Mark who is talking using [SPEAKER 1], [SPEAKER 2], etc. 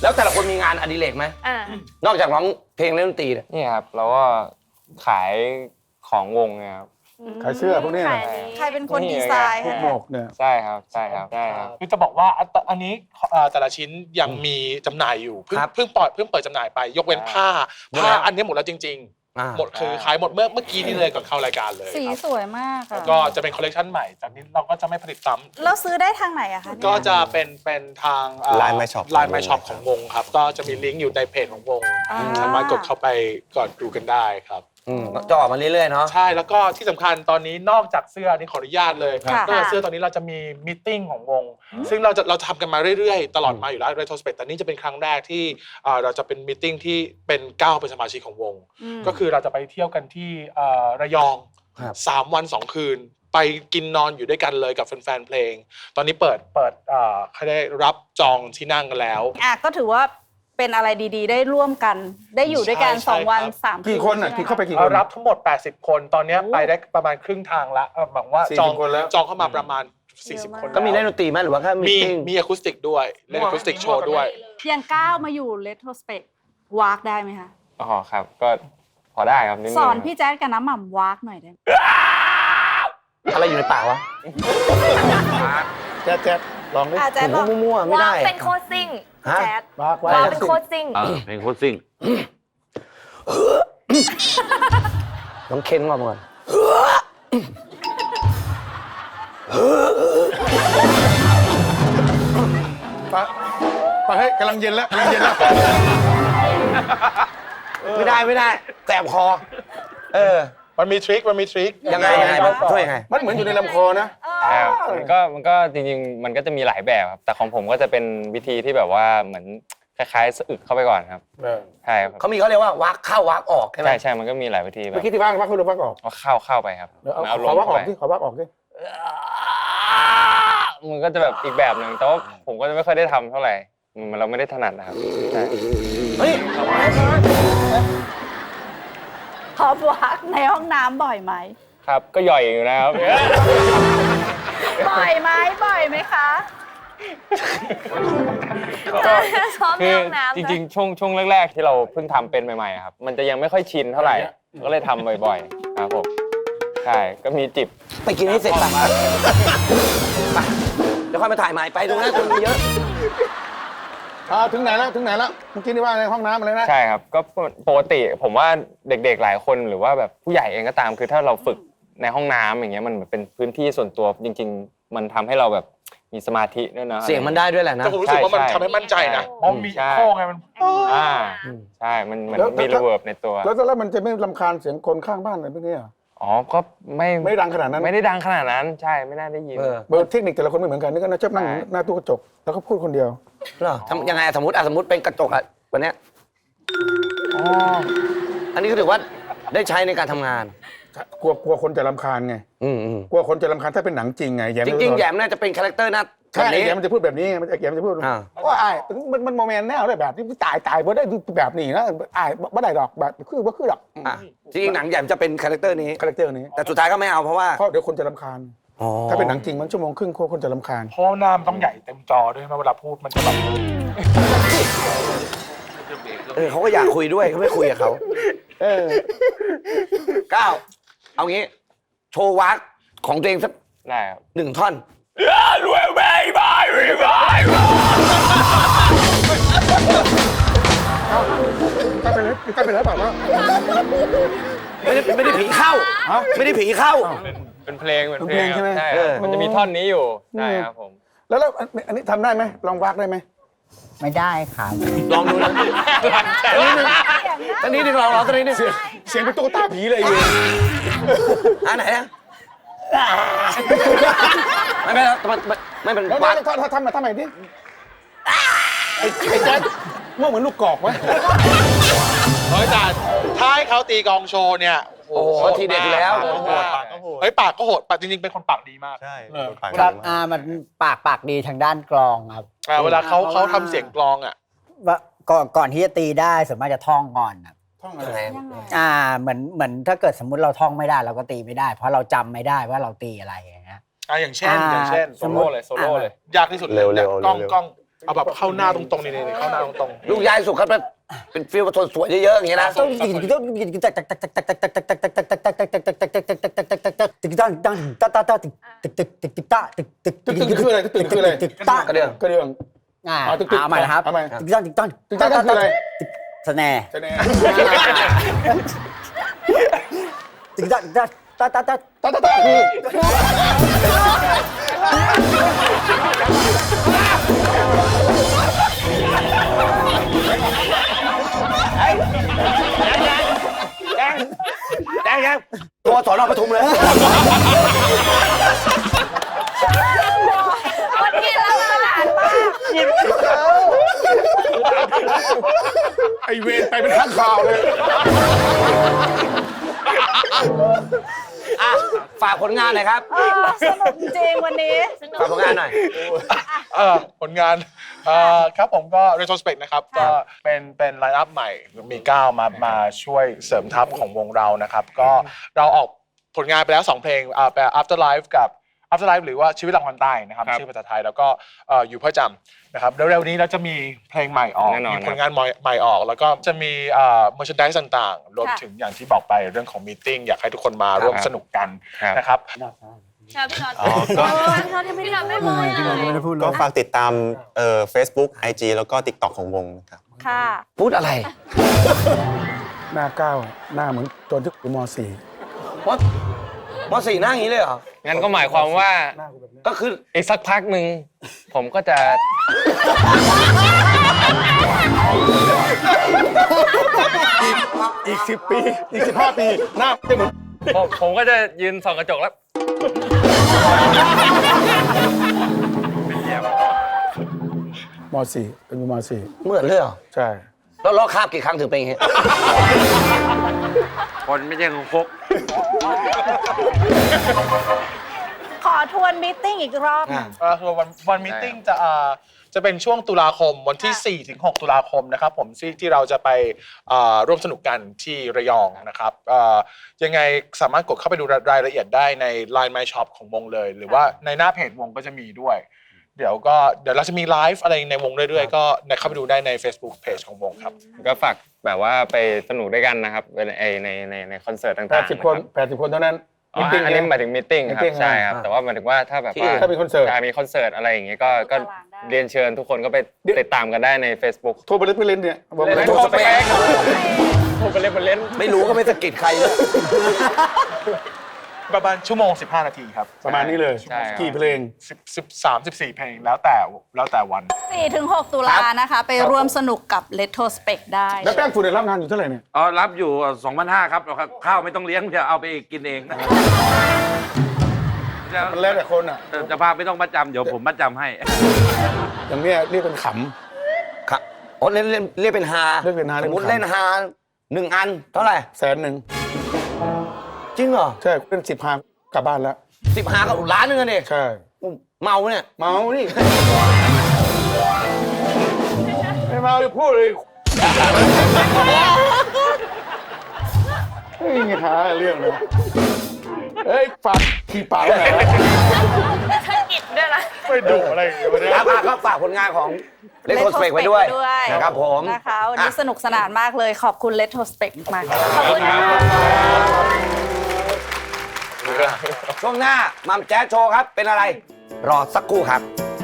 [SPEAKER 1] แล้วแต่ละคนมีงานอดิเรกไหมนอกจากร้องเพลงเล่นดนตรีเนี่ย
[SPEAKER 2] นี่ครับเราก็ขายของวงเนี่ยครับ
[SPEAKER 3] ขายเสื้อพวกนี้นะ
[SPEAKER 4] ใครเป็นคนดีไซน์
[SPEAKER 3] พวกหมวกเนี่ย
[SPEAKER 2] ใช่ครับใช่ครับใช่ครับ
[SPEAKER 5] คือจะบอกว่าอันนี้แต่ละชิ้นยังมีจำหน่ายอยู่เพิ่งเปิดจำหน่ายไปยกเว้นผ้าอันนี้หมดแล้วจริงๆหมดคือขายหมดเมื่อกี้นี้เลยก่อนเข้ารายการเลย
[SPEAKER 4] สีสวยมากค่ะ
[SPEAKER 5] ก็จะเป็นคอลเลคชันใหม่จากนี้เราก็จะไม่ผลิตซ้ำ
[SPEAKER 4] แล้วซื้อได้ทางไหนอะคะ
[SPEAKER 5] ก็จะเป็นทาง
[SPEAKER 6] Line My Shop
[SPEAKER 5] Line My Shop ของวงครับก็จะมีลิงก์อยู่ในเพจของวงสามารถกดเข้าไปกดดูกันได้ครับ
[SPEAKER 1] จะออกมาเรื่อยๆเนาะ
[SPEAKER 5] ใช่แล้วก็ที่สำคัญตอนนี้นอกจากเสื้อนี่ขออนุญาตเลยนอกจากเสื้อตอนนี้เราจะมีมีตติ้งของวงซึ่งเราทำกันมาเรื่อยๆตลอดมาอยู่แล้ว Retrospect แต่นี่จะเป็นครั้งแรกที่เราจะเป็นมีตติ้งที่เป็น9เป็นสมาชิกของวงก็คือเราจะไปเที่ยวกันที่ระยอง3 วัน 2 คืนไปกินนอนอยู่ด้วยกันเลยกับแฟนๆเพลงตอนนี้เปิดเขาได้รับจองที่นั่งกันแล้ว
[SPEAKER 4] ก็ถือว่าเป็นอะไรดีๆได้ร่วมกันได้อยู่ด้วยกัน2 วัน 3 คืน
[SPEAKER 3] กี่คนอ่ะกี่เข้าไปกี่คน
[SPEAKER 5] รับทั้งหมด80 คนตอนนี้ไปได้ประมาณครึ่งทางละหวังว่าจองเข้ามาประมาณ40 คน
[SPEAKER 1] ก็มีเล่นดนตรีไหมหรือว่าแค่
[SPEAKER 5] มีอะคูสติกด้วยเล่นอะคูสติกโชว์ด้วย
[SPEAKER 4] ยังก้าวมาอยู่ Retrospect วากได้ไหมคะ
[SPEAKER 2] อ๋อครับก็พอได้ครับนิดนึง
[SPEAKER 4] สอนพี่แจ๊ดกับน้ำหม่ำวากหน่อยได้ไหม
[SPEAKER 1] อะไรอยู่ในปากวะ
[SPEAKER 3] แจ๊ดลองดิ
[SPEAKER 4] แจ๊ดลอง
[SPEAKER 1] มั่วๆไม่ได้
[SPEAKER 7] เป็นโคชซิ่งแจ๊ด
[SPEAKER 3] วาก
[SPEAKER 7] วาเป็นโคชซิ่ง
[SPEAKER 1] เพลงโคตรซิ่งน้องเค้นก่อน
[SPEAKER 3] ไปให้กำลังเย็นแล้ว
[SPEAKER 1] ไม่ได้แสบคอ
[SPEAKER 5] มันมีทริค
[SPEAKER 1] ยังไงช่วยยังไง
[SPEAKER 3] มันเหมือนอยู่ในลำคอนะ
[SPEAKER 2] ครับมันก็จริงๆมันก็จะมีหลายแบบครับแต่ของผมก็จะเป็นวิธีที่แบบว่าเหมือนคล้ายๆสะอึกเข้าไปก่อนครับใช่ครับ
[SPEAKER 1] เขาเรียกว่าวักเข้าวักออกใช่ไหม
[SPEAKER 2] ใช่มันก็มีหลายวิธีแบ
[SPEAKER 3] เมื่อบ กี้ที่วักเข้าหรือวักออก
[SPEAKER 2] เอาเข้าไปครับ
[SPEAKER 3] เอาขอวักออกดิขอวักออกดิ
[SPEAKER 2] มันก็จะแบบอีกแบบหนึ่งแต่ว่าผมก็จะไม่ค่อยได้ทำเท่าไหร่เราไม่ได้ถนัดนะครับใช่
[SPEAKER 1] เฮ้ย
[SPEAKER 4] ขอวากในห้องน้ำบ่อยไหม
[SPEAKER 2] ครับก็ย่อยอยู่นะครับ
[SPEAKER 4] บ่อยไหมคะ
[SPEAKER 7] ซ้อมใน
[SPEAKER 2] คือ
[SPEAKER 7] ห้องน้ำ
[SPEAKER 2] จริงๆช่วงแรกๆที่เราเพิ่งทำเป็นใหม่ๆครับมันจะยังไม่ค่อยชินเท่าไหร่ก็เลยทำบ่อยๆครับผมใช่ก็มีจิบ
[SPEAKER 1] ไปกินให้เสร็จไปเดี๋ยวค่อยมาถ่ายใหม่ไปตรงนั้นคนเยอะ
[SPEAKER 3] ถึงไหนแล้วเมื่อกี้นี่ว่าในห้องน้ำอะไรนะ
[SPEAKER 2] ใช่ครับก็ปกติผมว่าเด็กๆหลายคนหรือว่าแบบผู้ใหญ่เองก็ตามคือถ้าเราฝึกในห้องน้ำอย่างเงี้ยมันเป็นพื้นที่ส่วนตัวจริงๆมันทำให้เราแบบมีสมาธิด้วยนะ
[SPEAKER 1] เสียงมันได้ด้วยแหละนะ
[SPEAKER 5] แต่ผมรู้สึกว่ามันทำให้มั่นใจนะเพราะมีโค้งไงมัน
[SPEAKER 2] ใช่มันเหมือนมีรีเวิร์บในตัว
[SPEAKER 3] แล้วมันจะไม่รำคาญเสียงคนข้างบ้านอะไรพวกนี้อ่ะ
[SPEAKER 2] อ๋อก็
[SPEAKER 3] ไม่ดังขนาดนั้น
[SPEAKER 2] ไม่ได้ดังขนาดนั้นใช่ไม่น่าได้ยิน
[SPEAKER 3] เบอร์เทคนิคแต่ละคนไม่เหมือนกันนี่ก็ชอบนั่งหน้าตู้กระจกแล้วก็พูดคนเดียว
[SPEAKER 1] เหรอทำยังไงสมมติเป็นกระจกวันเนี้ยอันนี้ก็ถือว่าได้ใช้ในการทำงาน
[SPEAKER 3] กลัวคนจะรำคาญไงกลัวคนจะรำคาญถ้าเป็นหนังจริงไง
[SPEAKER 1] จริงๆแยมน่าจะเป็นคาแรคเตอร์นะ
[SPEAKER 3] ใช่แยมมันจะพูดแบบนี้มันจะพูดว่ามันโมเมนต์แนวได้แบบที่ตายเพราะได้แบบนี้นะไม่ได้ดอกแบบคือดอก
[SPEAKER 1] จริงๆหนังแยมจะเป็นคาแรคเตอร์นี้ แต่สุดท้ายก็ไม่เอาเพราะว่า
[SPEAKER 3] เดี๋ยวคนจะรำคาญถ้าเป็นหนังจริงมันชั่วโมงครึ่งคนจะรำคาญ
[SPEAKER 5] เพราะหน้ามันต้องใหญ่เต็มจอด้วยเวลาพูดมันจะแบบ
[SPEAKER 1] เขาก็อยากคุยด้วยเขาไม่คุยกับเขาก้าวเอางี้โชว์วักของตัวเองสัก
[SPEAKER 2] ได้ครับ
[SPEAKER 1] 1 ท่อน
[SPEAKER 3] ใกล้ไปแล้วเปล่าว่า
[SPEAKER 1] ไม่ได้ผีเข้าไม่ได้ผีเข้า
[SPEAKER 2] เป็นเพลงใช่ไหมใช่มันจะมีท่อนนี้อยู่ใช่ครับผม
[SPEAKER 3] แล้วอันนี้ทำได้ไหมลองวักได้ไหม
[SPEAKER 8] ไม่ได้ครับ
[SPEAKER 1] ลองดูนะตอนนี้หนึ่งลองตอนนี้หนึ่ง
[SPEAKER 3] เสียงเป็นตุ๊กตาผีเลยอยู่
[SPEAKER 1] ไหนนะไม่เป็น
[SPEAKER 3] แล้ว
[SPEAKER 1] วัก
[SPEAKER 3] ถ้าทำใหม่ดิไอ้แจ๊คว่าเหมือนลูกกอกไหม
[SPEAKER 5] แต่ถ้าให้เขาตีกองโชว์เนี่ย
[SPEAKER 1] โอ้โหทีเด็ดอยู่แล้ว
[SPEAKER 5] ปากก็โหดปากก็โหดปากจริงๆเป็นคนปากดีมาก
[SPEAKER 6] ใช่
[SPEAKER 8] ครับมันปากดีทางด้านกลองครับ
[SPEAKER 5] เวลาเขาทำเสียงกลองอ่ะ
[SPEAKER 8] ว่าก่อนที่จะตีได้ส่วนมากจะท่องก่อนครับ
[SPEAKER 3] ท่องอะไร
[SPEAKER 8] เหมือนถ้าเกิดสมมุติเราท่องไม่ได้เราก็ตีไม่ได้ เพราะเราจำไม่ได้ว่าเราตีอะไรอย่างเงี้ย
[SPEAKER 5] อย่างเช่น
[SPEAKER 2] โซโล่เลย
[SPEAKER 5] ยากที่สุดเลยกล้องเอาแบบเข้าหน้าตรงๆนี่เข้าหน้าตรงๆ
[SPEAKER 1] ลูกยายสุขครับเป็นฟิลสวยๆเยอะๆอย่างเงี้ยนะ
[SPEAKER 3] ตึกคืออะไรตึกคืออะไร
[SPEAKER 1] กระเดื่อง
[SPEAKER 3] กระเดื่อง
[SPEAKER 8] เอาใหม่นะครับ
[SPEAKER 3] เอาใหม่
[SPEAKER 8] ติ๊กต๊อกติ๊กต๊อก
[SPEAKER 3] ตึกคืออะไร
[SPEAKER 8] สแนร์
[SPEAKER 3] จะแน่
[SPEAKER 8] ติ๊กต๊อกติ๊กต๊อกต๊อกต๊อกต๊อก
[SPEAKER 3] ตาคือ
[SPEAKER 1] แดงตัวสอนอปทุมเลย
[SPEAKER 4] คนกินแล้วอาหารมาก
[SPEAKER 3] ไอเวรไปเป็นข้างข่าวเลย
[SPEAKER 1] อ่ะฝากผลงานหน่อยครับ
[SPEAKER 4] สนุกจริงวันนี้
[SPEAKER 1] ฝากผลงานหน่อย
[SPEAKER 5] ผลงานครับผมก็ retrospect นะครับก็เป็นไลน์อัพใหม่มี9มาช่วยเสริมทัพของวงเรานะครับก็เราออกผลงานไปแล้ว2เพลงแปล Afterlife กับ Afterlife หรือว่าชีวิตหลังวันตายนะครับชื่อภาษาไทยแล้วก็อยู่เพื่อจำนะครับเร็วๆนี้เราจะมีเพลงใหม่ออกมีผลงานใหม่ออกแล้วก็จะมีmerchandise ต่างๆรวมถึงอย่างที่บอกไปเรื่องของมีตติ้งอยากให้ทุกคนมาร่วมสนุกกันนะครับ
[SPEAKER 7] ชอบพี่น็อต
[SPEAKER 6] ก็
[SPEAKER 7] ชอบที่พี่น็อตไม่พูด
[SPEAKER 8] ไม่ได้พูดเลย
[SPEAKER 6] ก็ฝากติดตามFacebook IG แล้วก็ TikTok ของวงนะครับ
[SPEAKER 4] ค่ะ
[SPEAKER 1] พูดอะไร
[SPEAKER 3] หน้าก้าวหน้าเหมือนตอนที่อยู่ม
[SPEAKER 1] มสี่หน้าอย่างนี้เลยเหรอ
[SPEAKER 2] งั้นก็หมายความว่า
[SPEAKER 3] .4 หน้ากูแบบนี้
[SPEAKER 1] ก็คือ
[SPEAKER 2] อีกสักพักหนึ่งผมก็จะ
[SPEAKER 3] อีก10 ปีอีก15 ปีหน้าจะเหมือน
[SPEAKER 2] ผมก็จะยืนส่องกระจกแล้ว
[SPEAKER 3] ม .4 เป็นอยู่ม
[SPEAKER 1] เหมือนเลยเหรอ
[SPEAKER 3] .4 ใช่
[SPEAKER 1] แล้วลอกคราบกี่ครั้งถึงเป็นอย่างงี้
[SPEAKER 2] คนไม่ใช่ของพก
[SPEAKER 4] ขอทวนมีตติ้งอีกรอบ
[SPEAKER 5] คือวันมีตติ้งจะเป็นช่วงตุลาคมวันที่ 4 ถึง 6 ตุลาคมนะครับผมที่เราจะไปร่วมสนุกกันที่ระยองนะครับยังไงสามารถกดเข้าไปดูรายละเอียดได้ใน Line My Shop ของวงเลย หรือว่าในหน้าเพจวงก็จะมีด้วย เดี๋ยวเราจะมีไลฟ์อะไรในวงเรื่อยๆก็เข้าไปดูได้ใน Facebook Page ของวงครับ
[SPEAKER 2] ก็ฝากแบบว่าไปสนุกด้วยกันนะครับในคอนเสิร์ตต่างๆ
[SPEAKER 3] 80 คน 80 คนเท่านั้น
[SPEAKER 2] อ๋ออันนี้หมายถึงมีตติ้งครับ
[SPEAKER 3] meeting
[SPEAKER 2] ใช่ครับแต่ว่าหมายถึงว่าถ้าแบบว่า
[SPEAKER 3] ถ้ามีคอนเสิร์ต
[SPEAKER 2] มีคอนเสิร์ตอะไรอย่างเงี้ยก็เรียนเชิญทุกคนก็ไปติดตามกันได้ใน Facebook
[SPEAKER 3] โทรไปเล่นไปเล่นเนี่ยบอก
[SPEAKER 2] เล่น
[SPEAKER 1] โทรสเปค
[SPEAKER 2] โทรไปเล่นมาเล่น
[SPEAKER 1] ไม่รู้ก็ไม่สะกิดใครเลย
[SPEAKER 5] ประมาณชั่วโมง 15 นาทีครับ
[SPEAKER 3] ประมาณนี้เลย
[SPEAKER 2] ใช่ครับ
[SPEAKER 3] กี่เพลง
[SPEAKER 5] 13-14 เพลงแล้วแต่วัน
[SPEAKER 4] 4-6 ตุลานะคะ ไปร่วมสนุกกับ Retrospect ได้
[SPEAKER 3] แล้วแป้งฝุ่นได้รับงานอยู่เท่าไหร่เนี่ย
[SPEAKER 9] อ๋อรับอยู่ 2,500 ครับข้าวไม่ต้องเลี้ยงจะเอาไปกินเองนะ
[SPEAKER 3] มันแล้วแต่คนอ่ะ
[SPEAKER 9] จะพาไม่ต้องมัดจำเดี๋ยวผมมัดจำให้
[SPEAKER 3] อย่างเนี้ยเรียกเป็นข
[SPEAKER 1] ครับโอ้เล่นเป็นฮา
[SPEAKER 3] เล่นเป็นฮา
[SPEAKER 1] สมมติ
[SPEAKER 3] เล่นขำ
[SPEAKER 1] เล่นฮา1 อันเท่าไหร่
[SPEAKER 3] 100,000
[SPEAKER 1] จริงเหรอ
[SPEAKER 3] ใช่เล่น10 พากลับบ้านแล้ว
[SPEAKER 1] 10 ฮากับล้านหนึงอะเนี่ย
[SPEAKER 3] ใช่
[SPEAKER 1] เมาเนี่ย
[SPEAKER 3] เมานี่ไม่เมาเลยพูดเลยเฮ้ยไงหาเรื่องเลยเฮ้ยฝากขี่ปากไว้ไหนวะ
[SPEAKER 7] สะกิดด้วยนะ
[SPEAKER 5] ไม่ดุอะไรอย่างเงี้ยวันนี้
[SPEAKER 1] ครับก็ฝากผลงานของเล่นโคสเปกไว้ด้วยนะครับผม
[SPEAKER 4] นะคะวันนี้สนุกสนานมากเลยขอบคุณ Retrospect มากขอบคุณค่ะ
[SPEAKER 1] ช่วงหน้ามัมแจ๊สโชว์ครับ เป็นอะไร รอสักครู่ครับ